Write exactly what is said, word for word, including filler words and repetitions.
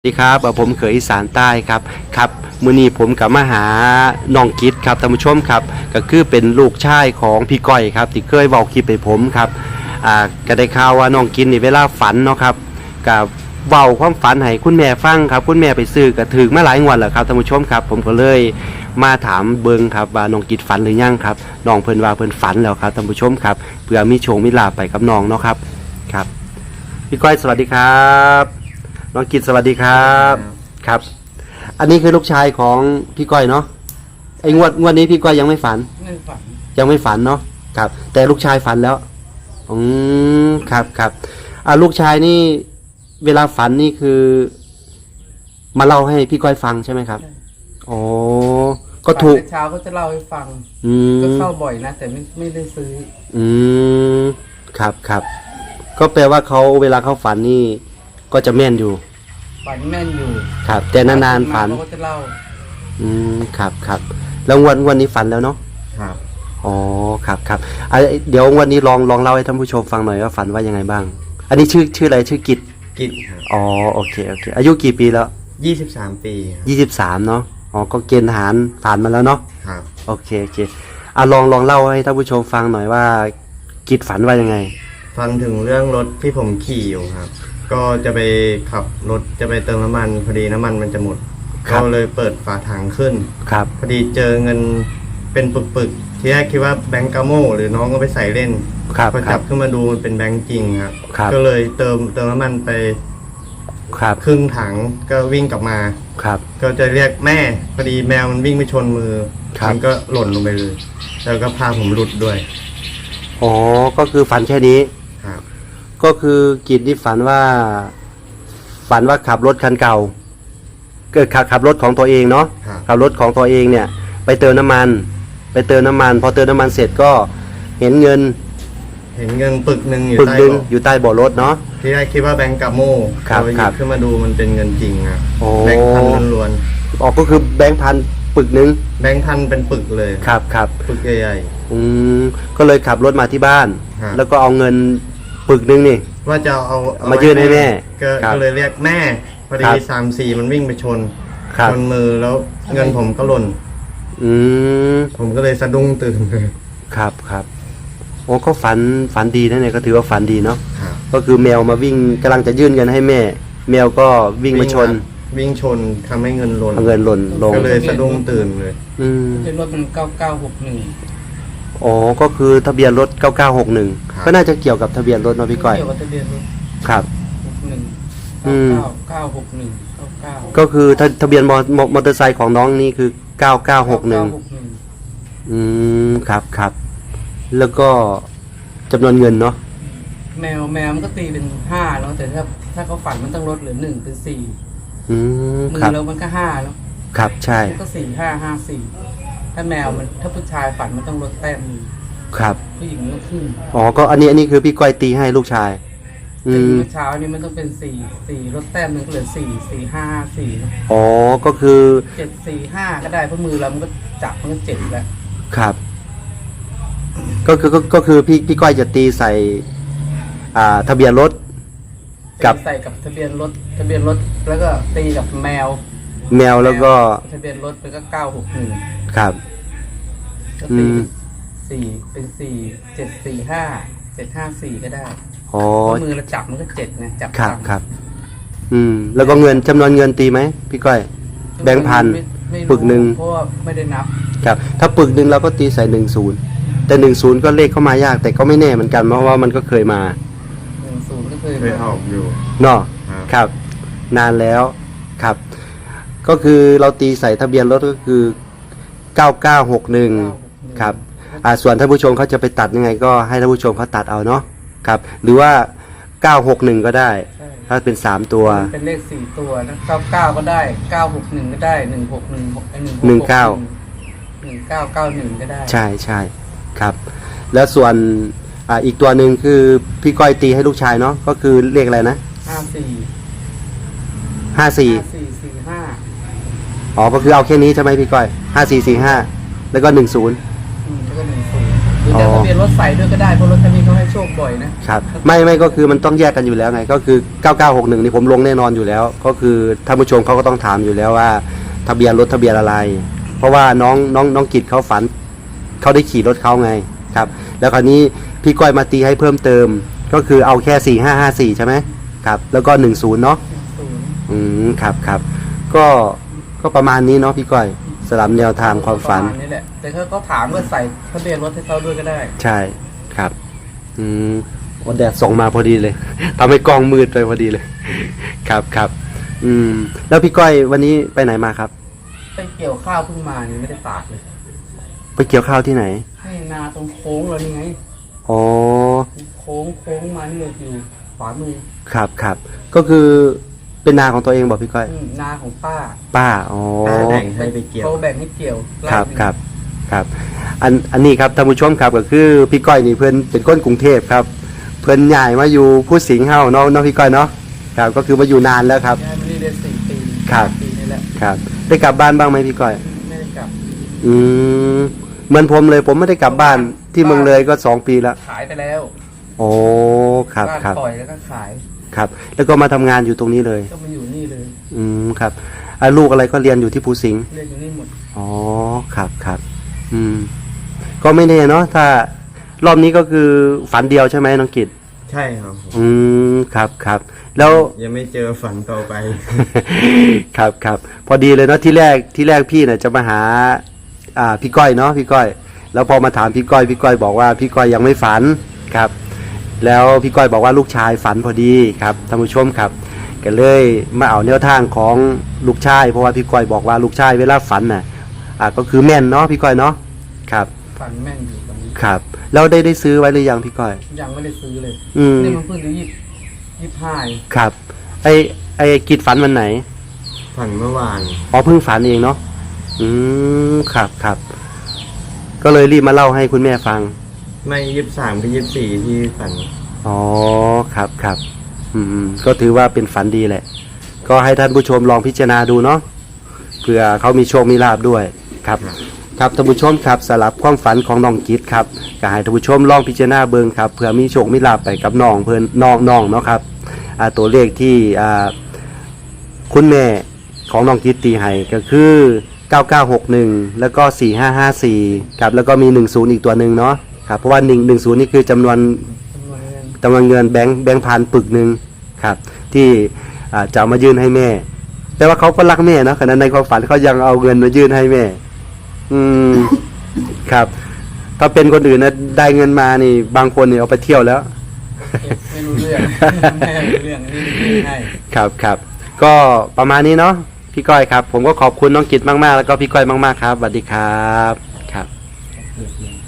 สวัสดีครับผมเขยอีสานใต้ครับครับมื้อนี้ผมกับมาหาน้องกิตครับท่านผู้ชมครับก็คือเป็นลูกชายของพี่ก้อยครับที่เคยเว้าคลิปให้ผมครับอ่าก็ได้ข่าวว่าน้องกิตนี่เวลาฝันเนาะครับก็เว้าความฝันให้คุณแม่ฟังครับคุณแม่ไปซื้อก็ถึงมาหลายงวดแล้วครับท่านผู้ชมครับผมก็เลยมาถามเบิ่งครับว่าน้องกิตฝันหรือยังครับน้องเพิ่นว่าเพิ่นฝันแล้วครับท่านผู้ชมครับเพื่อมีโชคมีลาภไปกับน้องเนาะครับครับพี่ก้อยสวัสดีครับน้องกิตสวัสดีครับครับอันนี้คือลูกชายของพี่ก้อยเนาะไอ้งวดงวดนี้พี่ก้อยยังไม่ฝันไม่ฝันยังไม่ฝันเนาะครับแต่ลูกชายฝันแล้วอืมครับครับอ่าลูกชายนี่เวลาฝันนี่คือมาเล่าให้พี่ก้อยฟังใช่ไหมครับอ๋อก็ถูกเช้าก็จะเล่าให้ฟังก็เข้าบ่อยนะแต่ไม่ไม่ได้ซื้ออืมครับครับก็แปลว่าเขาเวลาเขาฝันนี่ก็จะแม่นอยู่ฝันแม่นอยู่ครับแต่นานๆฝันเขาก็จะเล่าอืมครับครับแล้ววันวันนี้ฝันแล้วเนาะครับอ๋อครับครับอ่ะเดี๋ยววันนี้ลองลองเล่าให้ท่านผู้ชมฟังหน่อยว่าฝันว่ายังไงบ้างอันนี้ชื่อชื่ออะไรชื่อกิจกิจครับอ๋อโอเคโอเคอายุกี่ปีแล้วยี่สิบสามปียี่สิบสามเนาะอ๋อก็เกณฑ์ทหารผ่านมาแล้วเนาะครับโอเคโอเคอ่ะลองลองเล่าให้ท่านผู้ชมฟังหน่อยว่ากิจฝันว่ายังไงฟังถึงเรื่องรถที่ผมขี่อยู่ครับก็จะไปขับรถจะไปเติมน้ำมันพอดีน้ำมันมันจะหมดก็เลยเปิดฝาถังขึ้นครับพอดีเจอเงินเป็นปึกๆที่แรกคิดว่าแบงก์กาโม่หรือน้องก็ไปใส่เล่นพอจับขึ้นมาดูมันเป็นแบงก์จริงครับก็เลยเติมเติมน้ำมันไปครับครึ่งถังก็วิ่งกลับมาครับก็จะเรียกแม่พอดีแมวมันวิ่งไปชนมือมันก็หล่นลงไปเลยแล้วก็พาผมหลุดด้วยอ๋อก็คือฝันแค่นี้ครับก็คือกิจที่ฝันว่าฝันว่าขับรถคันเก่าเกิดขับขับรถของตัวเองเนาะขับรถของตัวเองเนี่ยไปเติมน้ำมันไปเติมน้ำมันพอเติมน้ำมันเสร็จก็เห็นเงินเห็นเงินปึกหนึ่งอยู่ปึกใต้หนึ่งเบาะอยู่ใต้เบาะรถเนาะที่แรกคิดว่าแบงก์กาโม่ครับพอหคยิรับบ ขึ้นมาดูมันเป็นเงินจริงครับโอ้แบงค์พันล้วนอ๋อก็คือแบงค์พันปึกหนึ่งๆแบงค์พันเป็นปึกเลยครับครับปึกใหญ่อืมก็เลยขับรถมาที่บ้านครับแล้วก็เอาเงินปึกหนึ่งนี่ว่าจะเอาเอมายื่นให้แม่ก็ครับก็เลยเรียกแม่พอดีครับสามสี่มันวิ่งไปชนครับชนมือแล้วเงินผมก็หล่นอืมผมก็เลยสะดุ้งตื่นเลยครับครับโอ้ก็ฝันฝันดีนะเนี่ยก็ถือว่าฝันดีเนาะครับก็คือแมวมาวิ่งกำลังจะยื่นเงินให้แม่ แมวก็วิ่งมาชนวิ่งชนทำให้เงินหล่นเอาเงินหล่นลงก็เลยสะดุ้งตื่นเลยอืมเป็นรถมันเก้าเก้าหกหนึ่งอ๋อก็คือทะเบียนรถเก้าเก้าหกหนึ่งก็น่าจะเกี่ยวกับทะเบียนรถเนาะพี่ก้อยเกี่ยวกับทะเบียนรถครับหกหนึ่งอืมเก้าเก้าหกหนึ่งเก้าเก้าก็คือทะทะเบียนมอมอมอเตอร์ไซค์ของน้องนี่คือเก้าเก้าหกหนึ่งอืมครับครับแล้วก็จำนวนเงินเนาะแมวแมวมันก็ตีเป็นห้าแล้วแต่ถ้าถ้าเขาฝันมันต้องลดเหลือหนึ่งเป็นสี่อืมมือครับแล้วมันก็ห้าแล้วครับใช่มันก็สี่ห้าห้าสี่ถ้าแมวมันถ้าผู้ชายฝันมันต้องลดแต้มหนึ่งครับผู้หญิงมันขึ้นอ๋อก็อันนี้อันนี้คือพี่ก้อยตีให้ลูกชายอืตีมเมื่อเช้านี้มันต้องเป็นสี่สี่ลดแต้มหนึ่งก็เหลือสี่สี่ห้าห้าสี่อ๋อก็คือเจ็ดสี่ห้าก็ได้เพราะมือเรามันก็จับมันก็เจ็ดแล้วครับก็คือก็ก็คือพี่พี่ก้อยจะตีใส่อ่าทะเบียนรถกับใส่กับทะเบียนรถทะเบียนรถแล้วก็ตีกับแมวแมวแล้วก็ทะเบียนรถเป็นก็เก้าหกหนึ่งครับก็ตีสี่เป็นสี่เจ็ดสี่ห้าเจ็ดห้าสี่ก็ได้อ๋อมือเราจับมันก็เจ็ดไงจับครับครับอืมแล้วก็เงินจำนวนเงินตีไหมพี่ก้อยแบงค์พันปึกหนึ่งเพราะว่าไม่ได้นับครับถ้าปึกหนึ่งเราก็ตีใส่หนึ่งศูนย์แต่หนึ่งศูนย์ก็เลขเข้ามายากแต่ก็ไม่แน่เหมือนกันเพราะว่ามันก็เคยมาหนึ่งศูนย์ก็เคยเคยออกอยู่เนาะครับครับนานแล้วครับ ก็คือเราตีใส่ทะเบียนรถก็คือเก้าเก้าหกหนึ่งครับอ่าส่วนท่านผู้ชมเขาจะไปตัดยังไงก็ให้ท่านผู้ชมเขาตัดเอาเนาะครับหรือว่าเก้าหกหนึ่งก็ได้ถ้าเป็นสามตัวเป็นเลขสี่ตัวนะเก้าเก้าก็ได้เก้าหกหนึ่งก็ได้หนึ่งหกหนึ่งหกหนึ่งหนึ่งเก้าหนึ่งเก้าเก้าหนึ่งก็ได้ใช่ใช่ครับ แล้วส่วนอ่าอีกตัวหนึ่งคือพี่ก้อยตีให้ลูกชายเนาะก็คือเลขอะไรนะห้าสี่ห้าสี่สี่สี่ห้าอ๋อก็คือเอาแค่นี้ใช่ไหมพี่ก้อยห้าสี่สี่ห้าแล้วก็หนึ่งศูนย์แล้วก็หนึ่งศูนย์หรือจะเอาทะเบียนรถใส่ด้วยก็ได้เพราะรถคันนี้เขาให้โชคบ่อยนะครับไม่ไม่ก็คือมันต้องแยกกันอยู่แล้วไงก็คือเก้าเก้าหกหนึ่งนี่ผมลงแน่นอนอยู่แล้ว ก็คือท่านผู้ชมเขาก็ต้องถามอยู่แล้วว่าทะเบียนรถทะเบียนอะไร เพราะว่าน้องน้องน้องกิจเขาฝันเขาได้ขี่รถเขาไงครับแล้วคราวนี้พี่ก้อยมาตีให้เพิ่มเติม ก็คือเอาแค่สี่ห้าห้าสี่ใช่ไหมครับแล้วก็หนึ่งศูนย์เนาะศูนย์อืมครับครับก็ก็ประมาณนี้เนาะพี่ก้อยสลับแนวทางความฝันประมาณนี้แหละแต่ถ้าเขาถามว่าใส่ทะเบียนรถให้เขาด้วยก็ได้ใช่ครับอืมวันแดดส่องมาพอดีเลย ทำให้กล้องมืดไปพอดีเลย ครับครับอืมแล้วพี่ก้อยวันนี้ไปไหนมาครับไปเกี่ยวข้าวเพิ่งมานี่ไม่ได้ตากเลยไปเกี่ยวข้าวที่ไหนให้นาตรงโค้งเรานี่ไงอ๋อโค้งโค้งมานี่เลยอยู่ขวามือครับครับก็คือเป็นนาของตัวเองบอกพี่ก้อยอืมนาของป้าป้าอ๋อป้าแบ่งให้ไปเกี่ยวเขาแบ่งให้เกี่ยวไครับหนึ่งครับครับอันอันนี้ครับท่านผู้ชมครับก็คือพี่ก้อยนี่เพื่อนเป็นคนกรุงเทพครับ เพื่อนใหญ่มาอยู่ผู้สิงห์เฮาเนาะเนาะพี่ก้อยเนาะครับก็คือมาอยู่นานแล้วครับย้ายมานี่ได้สี่ปีครับปีนี่แหละครับได้กลับบ้านบ้างไหมพี่ก้อยไม่ได้กลับอืมเหมือนผมเลยผมไม่ได้กลับบ้านที่เมืองเลยก็สองปีแล้วขายไปแล้วโอ้ครับบ้านครับปล่อยแล้วก็ขายครับ แล้วก็มาทำงานอยู่ตรงนี้เลยก็มาอยู่นี่เลยอืมครับอ่ะลูกอะไรก็เรียนอยู่ที่ภูสิงห์เรียนอยู่นี่หมดอ๋อครับครับอืมก็ไม่แน่เนาะถ้ารอบนี้ก็คือฝันเดียวใช่ไหมน้องกิตใช่ครับผมอืมครับครับแล้วยังไม่เจอฝันต่อไปครับครับพอดีเลยเนาะที่แรกที่แรกพี่เนี่ยจะมาหาอ่าพี่ก้อยเนาะพี่ก้อย แล้วพอมาถามพี่ก้อยพี่ก้อยบอกว่าพี่ก้อยยังไม่ฝันครับ แล้วพี่ก้อยบอกว่าลูกชายฝันพอดีครับท่านผู้ชมครับก็เลยมาเอาแนวทางของลูกชายเพราะว่าพี่ก้อยบอกว่าลูกชายเวลาฝันน่ะอ่าก็คือแม่นเนาะพี่ก้อยเนาะครับฟันแม่นอยู่ตอนนี้ครับแล้วได้ได้ซื้อไว้หรือยังพี่ก้อยยังไม่ได้ซื้อเลยอืมนี่มันเพิ่งจะยี่ยี่ห้าครับไอไอกิจฝันวันไหนฝันเมื่อวานอ๋อเพิ่งฝันเองเนาะ อืม ครับครับ ก็เลยรีบมาเล่าให้คุณแม่ฟังไม่ยี่สามก็ยี่สี่ที่ฝันอ๋อ ครับครับ อืม ก็ถือว่าเป็นฝันดีแหละ ก็ให้ท่านผู้ชมลองพิจารณาดูเนาะ เผื่อเขามีโชคมีลาบด้วย ครับ ครับท่านผู้ชมครับสลับความฝันของน้องกิจครับก็ให้ท่านผู้ชมลองพิจารณาเบิ่งครับ เผื่อมีโชคมีลาบไปกับน้องเพิ่นน้องน้องเนาะครับ อ่า ตัวเลขที่อ่า คุณแม่ของน้องกิตตีให้ก็คือเก้าเก้าหกหนึ่งแล้วก็สี่ห้าห้าสี่ครับแล้วก็มีหนึ่งศูนย์อีกตัวหนึ่งเนาะครับเพราะว่าหนึ่ง หนึ่งศูนย์นี่คือจำนวนจำนวนเงินจำนวนเงินแบงค์แบงค์พันปึกหนึ่งครับที่อ่าจะเอามายื่นให้แม่ แต่ว่าเขาก็รักแม่นะขณะในความฝันเขายังเอาเงินมายื่นให้แม่ อืมครับถ้าเป็นคนอื่นนะได้เงินมานี่ บางคนนี่เอาไปเที่ยวแล้วไม่รู้เรื่อง ไม่รู้เรื่องนี่ไม่ให้ครับครับก็ประมาณนี้เนาะพี่ก้อยครับ ผมก็ขอบคุณน้องกิตมากๆแล้วก็พี่ก้อยมากๆครับสวัสดีครับครับเ